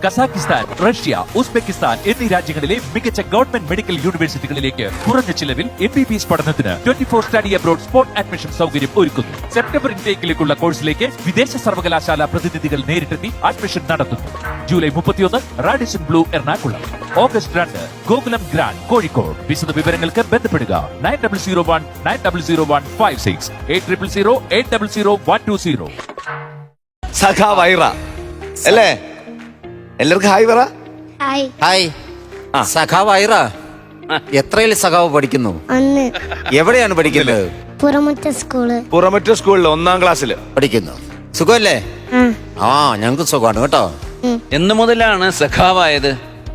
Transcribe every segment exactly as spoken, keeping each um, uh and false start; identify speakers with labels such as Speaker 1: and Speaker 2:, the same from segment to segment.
Speaker 1: Kazakhstan, Russia, Uzbekistan എന്നീ രാജ്യങ്ങളിലെ മികച്ച ഗവൺമെന്റ് മെഡിക്കൽ യൂണിവേഴ്സിറ്റികളിലേക്ക് കുറഞ്ഞ ചിലവിൽ എം ബി ബി എസ് പഠനത്തിന് twenty four study abroad spot admission സൗകര്യം ഒരുക്കുന്നു. സെപ്റ്റംബർ ഇൻടേക്കിലേക്കുള്ള കോഴ്സിലേക്ക് വിദേശ സർവകലാശാല പ്രതിനിധികൾ നേരിട്ടെത്തി അഡ്മിഷൻ നടത്തുന്നു. ജൂലൈ മുപ്പത്തിയൊന്ന് റാഡിസൺ ബ്ലൂ എറണാകുളം, ഓഗസ്റ്റ് രണ്ട് ഗോകുലം ഗ്രാൻഡ് കോഴിക്കോട്. വിശദ വിവരങ്ങൾക്ക് ബന്ധപ്പെടുക nine double zero one nine double zero one five six eight triple zero eight double zero one two zero.
Speaker 2: സഖാ വൈറ അല്ലേ? എല്ലാവർക്കും ഹായ് പറ.
Speaker 3: ഹായ്.
Speaker 4: ഹായ്. സഖാവ് ഐറ, എത്രയിൽ സഖാവ് പഠിക്കുന്നു?
Speaker 3: ഒന്ന്.
Speaker 4: എവിടെയാണ് പഠിക്കുന്നത്?
Speaker 3: പുറമുറ്റ സ്കൂള്.
Speaker 2: പുറമറ്റ സ്കൂളിൽ ഒന്നാം ക്ലാസ്സില്
Speaker 4: പഠിക്കുന്നു. സുഖമല്ലേ? ആ, ഞങ്ങൾക്ക് സുഖമാണ് കേട്ടോ.
Speaker 5: എന്ന് മുതലാണ് സഖാവായത്?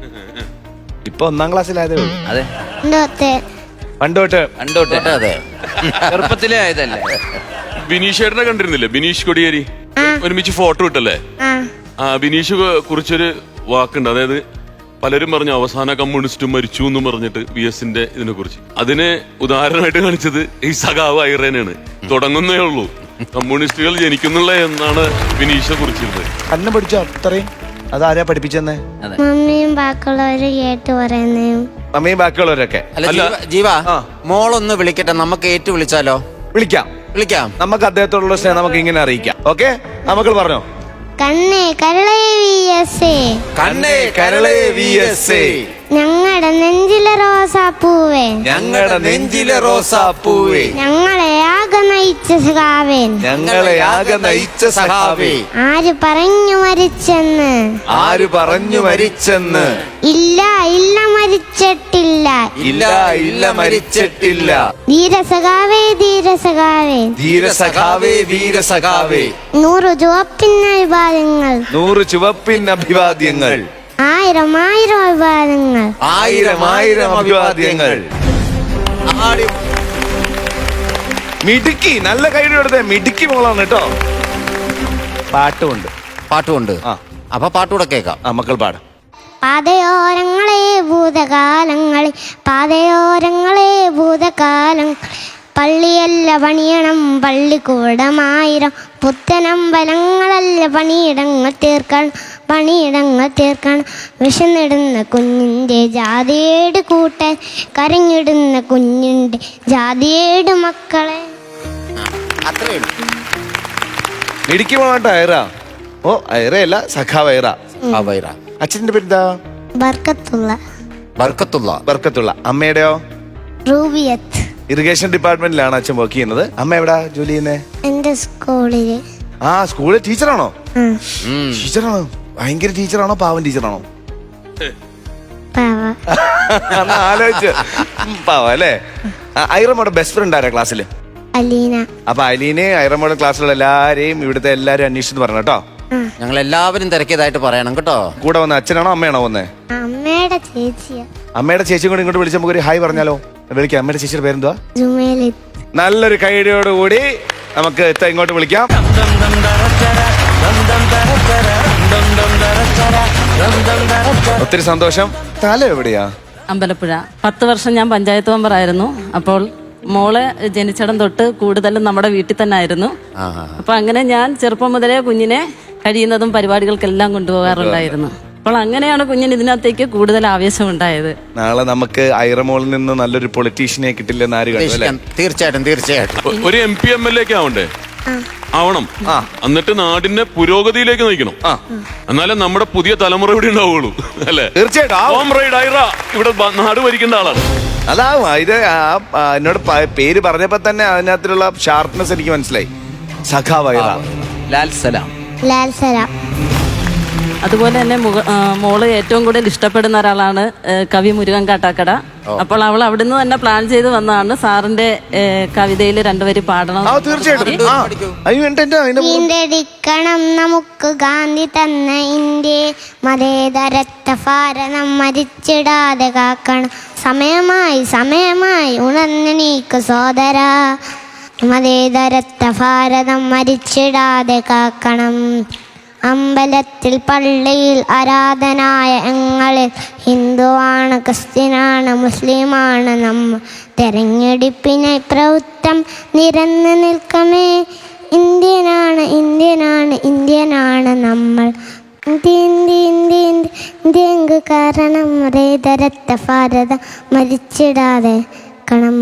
Speaker 2: ഇപ്പൊ ഒന്നാം ക്ലാസ്സിലായതേ ഉള്ളൂ.
Speaker 5: അതെ,
Speaker 2: പണ്ടോട്ട്
Speaker 5: കണ്ടോട്ടെ.
Speaker 4: അതെ,
Speaker 5: ചെറുപ്പത്തിലേ ആയതല്ലേ?
Speaker 6: ബിനീഷേട്ടനെ കണ്ടിരുന്നില്ലേ? ബിനീഷ് കൊടിയേരി ഒരുമിച്ച് ഫോട്ടോ ഇട്ടല്ലേ? ആ ബിനീഷ് കുറിച്ചൊരു വാക്കുണ്ട്, അതായത് പലരും പറഞ്ഞു അവസാന കമ്മ്യൂണിസ്റ്റ് മരിച്ചു എന്ന് പറഞ്ഞിട്ട് വി എസിന്റെ ഇതിനെ കുറിച്ച്. അതിന് ഉദാഹരണമായിട്ട് കാണിച്ചത് ഈ സഖാവ് ഐറേനാണ്. തുടങ്ങുന്നേ ഉള്ളൂ, കമ്മ്യൂണിസ്റ്റുകൾ ജനിക്കുന്നുള്ള എന്നാണ് ബിനീഷെ കുറിച്ചിരുന്നത്.
Speaker 2: അന്നെ പഠിച്ചോ അത്രയും? അതാരാ പഠിപ്പിച്ചെന്നേ?
Speaker 3: മമ്മിയും ബാക്കിയുള്ളവര് കേട്ട് പറയുന്നതും.
Speaker 2: മമ്മിയും ബാക്കിയുള്ളവരൊക്കെ.
Speaker 4: അല്ല ജീവ- ജീവ മോളൊന്ന് വിളിക്കട്ടെ, നമുക്ക് ഏറ്റു വിളിച്ചാലോ?
Speaker 2: വിളിക്കാം
Speaker 4: വിളിക്കാം.
Speaker 2: നമുക്ക് അദ്ദേഹത്തോടുള്ള സ്നേഹം നമുക്ക് ഇങ്ങനെ അറിയിക്കാം. ഓക്കെ, നമുക്ക് പറഞ്ഞോ.
Speaker 3: കണ്ണേ കരളേ വി എസ് എ,
Speaker 2: കണ്ണേ കരളേ വി എസ് എ,
Speaker 3: ഞങ്ങളുടെ നെഞ്ചിലെ റോസാപ്പൂവേ,
Speaker 4: ഞങ്ങളുടെ നെഞ്ചിലെ റോസാപ്പൂവേ,
Speaker 3: ഞങ്ങളെ ആകെ നയിച്ച സഖാവേ,
Speaker 2: ഞങ്ങളെ ആകെ നയിച്ച സഖാവേ,
Speaker 3: ആര് പറഞ്ഞു മരിച്ചെന്ന്?
Speaker 2: ആര് പറഞ്ഞു മരിച്ചെന്ന്?
Speaker 3: ഇല്ല ഇല്ല മരിച്ചിട്ടില്ല,
Speaker 2: ഇല്ല ഇല്ല മരിച്ചിട്ടില്ല.
Speaker 3: ധീരസഖാവേ ധീരസഖാവേ,
Speaker 2: ധീരസഖാവേ വീരസഖാവേ,
Speaker 3: നൂറ് ചുവപ്പിന് അഭിവാദ്യങ്ങൾ,
Speaker 2: നൂറ് ചുവപ്പിൻ അഭിവാദ്യങ്ങൾ,
Speaker 3: ആയിരം ആയിരം അഭിവാദ്യങ്ങൾ,
Speaker 2: ആയിരം ആയിരം അഭിവാദ്യങ്ങൾ. മിടുക്കി, നല്ല കൈയുടെ എടുത്തേ, മിടുക്കി മോളാണ് കേട്ടോ. പാട്ടുമുണ്ട്.
Speaker 4: പാട്ടുമുണ്ട്.
Speaker 2: ആ,
Speaker 4: അപ്പൊ പാട്ടുകൂടെ കേൾക്കാം.
Speaker 2: ആ മക്കൾ പാടാം.
Speaker 3: പാതയോരങ്ങളെ ഭൂതകാലങ്ങളിൽ, പാതയോരങ്ങളെ ഭൂതകാലം, പള്ളിയല്ല പണിയണം പള്ളിക്കൂടമായിരം, പുത്തനമ്പലങ്ങളല്ല പണിയിടങ്ങൾ തീർക്കണം, പണിയിടങ്ങൾ തീർക്കണം. വിശന്നിടുന്ന കുഞ്ഞിൻ്റെ ജാതിയേട് കൂട്ടാൻ, കരഞ്ഞിടുന്ന കുഞ്ഞിൻ്റെ ജാതിയേട് മക്കളെ.
Speaker 4: അത്രേ ഉള്ളൂ.
Speaker 2: മിടുക്കി മോളാട്ടോ ഐറ. ഓ ഐറയല്ല, സഖാവ് ഐറ.
Speaker 4: ആ വൈറ.
Speaker 2: അച്ഛന്റെ പേരെന്താ?
Speaker 3: ബർക്കത്തുള്ള.
Speaker 4: ബർക്കത്തുള്ള.
Speaker 2: ബർക്കത്തുള്ള. അമ്മയുടെയോ?
Speaker 3: റൂബിയത്ത്.
Speaker 2: ഇറിഗേഷൻ ഡിപ്പാർട്ട്മെന്റിലാണ് അച്ഛൻ വർക്ക് ചെയ്യുന്നത്. അമ്മ എവിടാ ജോലി ചെയ്യുന്നേ?
Speaker 3: എന്റെ സ്കൂളില്.
Speaker 2: ആ സ്കൂളിൽ ടീച്ചറാണോ?
Speaker 4: ഉം.
Speaker 2: ടീച്ചറാണോ? ഭയങ്കര ടീച്ചറാണോ പാവൻ ടീച്ചറാണോ?
Speaker 3: പാവ.
Speaker 2: ആലോചിച്ച് പാവ അല്ലേ? ഐറമ്മയുടെ ബെസ്റ്റ് ഫ്രണ്ട് ആരാ ക്ലാസ്സിൽ?
Speaker 3: അലീന.
Speaker 2: അപ്പൊ അലീനെ ഐറമ്മയുടെ ക്ലാസ്സിലുള്ള എല്ലാരെയും ഇവിടുത്തെ എല്ലാരും അന്വേഷിച്ചു പറഞ്ഞു കേട്ടോ.
Speaker 4: ഞങ്ങൾ എല്ലാവരും തിരക്കിയതായിട്ട് പറയണം കേട്ടോ.
Speaker 2: കൂടെ വന്ന അച്ഛനാണോ അമ്മയാണോ വന്നേ?
Speaker 3: അമ്മയുടെ ചേച്ചിയാ. അമ്മയുടെ
Speaker 2: ചേച്ചിയും കൂടി ഇങ്ങോട്ട് വിളിച്ച് നമുക്ക് ഒരു ഹായ് പറഞ്ഞാലോ? വിളിക്കാം. അമ്മയുടെ ചേച്ചിയുടെ പേരെന്തുവാ?
Speaker 3: ജുമേലിത്ത്.
Speaker 2: നല്ലൊരു കൈഡിയോടുകൂടി നമുക്ക് ഇത്ത ഇങ്ങോട്ട് വിളിക്കാം. ഒത്തിരി സന്തോഷം. തല എവിടെയാ?
Speaker 7: അമ്പലപ്പുഴ. പത്ത് വർഷം ഞാൻ പഞ്ചായത്ത് മെമ്പറായിരുന്നു. അപ്പോൾ മോള് ജനിച്ചിടം തൊട്ട് കൂടുതലും നമ്മുടെ വീട്ടിൽ തന്നെ ആയിരുന്നു. അപ്പൊ അങ്ങനെ ഞാൻ ചെറുപ്പം മുതലേ കുഞ്ഞിനെ കഴിയുന്നതും പരിപാടികൾക്കെല്ലാം കൊണ്ടുപോകാറുണ്ടായിരുന്നു. അപ്പോൾ അങ്ങനെയാണ് കുഞ്ഞിന് ഇതിനകത്തേക്ക് കൂടുതൽ ആവേശം ഉണ്ടായത്.
Speaker 2: നാളെ നമുക്ക് ഐറമോളിൽ നിന്ന് നല്ലൊരു പൊളിറ്റീഷ്യനെ കിട്ടില്ലെന്ന് ആര് കണ്ടു അല്ലേ?
Speaker 4: തീർച്ചയായിട്ടും തീർച്ചയായിട്ടും.
Speaker 6: ഒരു M P M L A ഒക്കെ ആവണ്ടേ? ആവണം. എന്നിട്ട് നാടിന്റെ പുരോഗതിയിലേക്ക് നയിക്കണം. എന്നാലേ നമ്മുടെ പുതിയ തലമുറ ഇവിടെ ഉണ്ടാവുള്ളൂ അല്ലേ?
Speaker 2: തീർച്ചയായിട്ടും.
Speaker 6: ഇവിടെ നാട് ഭരിക്കേണ്ട ആളാണ്.
Speaker 2: അതാവും. ഇത് എന്നോട് പേര് പറഞ്ഞപ്പോ തന്നെ അതിനകത്തുള്ള ഷാർപ്നെസ് എനിക്ക് മനസ്സിലായി. സഖാവ് ഐറ.
Speaker 5: ലാൽ സലാം.
Speaker 3: ലാൽ സലാം.
Speaker 7: അതുപോലെ തന്നെ മോള് ഏറ്റവും കൂടുതൽ ഇഷ്ടപ്പെടുന്ന ഒരാളാണ് കവി മുരുകൻ കാട്ടാക്കട. അപ്പോൾ അവൾ അവിടുന്ന് തന്നെ പ്ലാൻ ചെയ്ത് വന്നതാണ് സാറിന്റെ കവിതയിൽ രണ്ടുപേര് പാടണം.
Speaker 3: വീണ്ടെടുക്കണം നമുക്ക് ഗാന്ധി തന്ന ഇന്ത്യ, മതേതരത്വ ഭാരതം മരിച്ചിടാതെ കാക്കണം. സമയമായി സമയമായി ഉണർന്നെണീക്ക് സോദര, മതേതരത്വ ഭാരതം മരിച്ചിടാതെ കാക്കണം. അമ്പലത്തിൽ പള്ളിയിൽ ആരാധനായ ഞങ്ങളിൽ ഹിന്ദുവാണ് ക്രിസ്ത്യനാണ് മുസ്ലിമാണ് നമ്മ. തെരഞ്ഞെടുപ്പിനായി പ്രവൃത്തം നിരന്ന് നിൽക്കമേ, ഇന്ത്യനാണ് ഇന്ത്യനാണ് ഇന്ത്യനാണ് നമ്മൾ. ഇന്ത്യ ഇന്ത്യ ഇന്ത്യ ഇന്ത്യ ദേങ്ക് കാരണം റേതരത്ത ഭാരത മരിച്ചിടാതെ കണം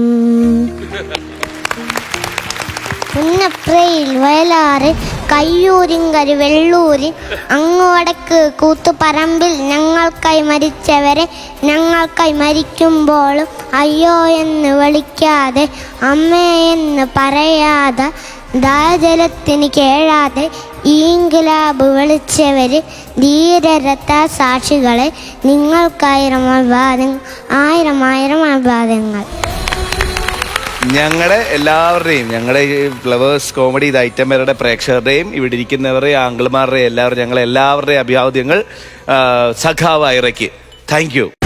Speaker 3: പുന്നപ്രയിൽ വയലാറ് കയ്യൂരിങ്കര് വെള്ളൂരിൽ അങ്ങ് വടക്ക് കൂത്തുപറമ്പിൽ ഞങ്ങൾക്കായി മരിച്ചവരെ ഞങ്ങൾക്കായി മരിക്കുമ്പോഴും അയ്യോ എന്ന് വിളിക്കാതെ അമ്മേ എന്ന് പറയാതെ ദാജലത്തിന് കേഴാതെ ഈങ്കിലാബ് വിളിച്ചവര് ധീരരത്ത സാക്ഷികളെ നിങ്ങൾക്കായിരം അഭിവാദ്യങ്ങൾ ആയിരം ആയിരം അഭിവാദ്യങ്ങൾ.
Speaker 2: ഞങ്ങളുടെ എല്ലാവരുടെയും ഞങ്ങളുടെ ഈ ഫ്ലവേഴ്സ് കോമഡി ഇത് ഐറ്റംവരുടെ പ്രേക്ഷകരുടെയും ഇവിടെ ഇരിക്കുന്നവരുടെ ആംഗിൾമാരുടെയും എല്ലാവരും ഞങ്ങൾ എല്ലാവരുടെയും അഭിവാദ്യങ്ങൾ സഖാവ് ഐറയ്ക്ക്. Thank you.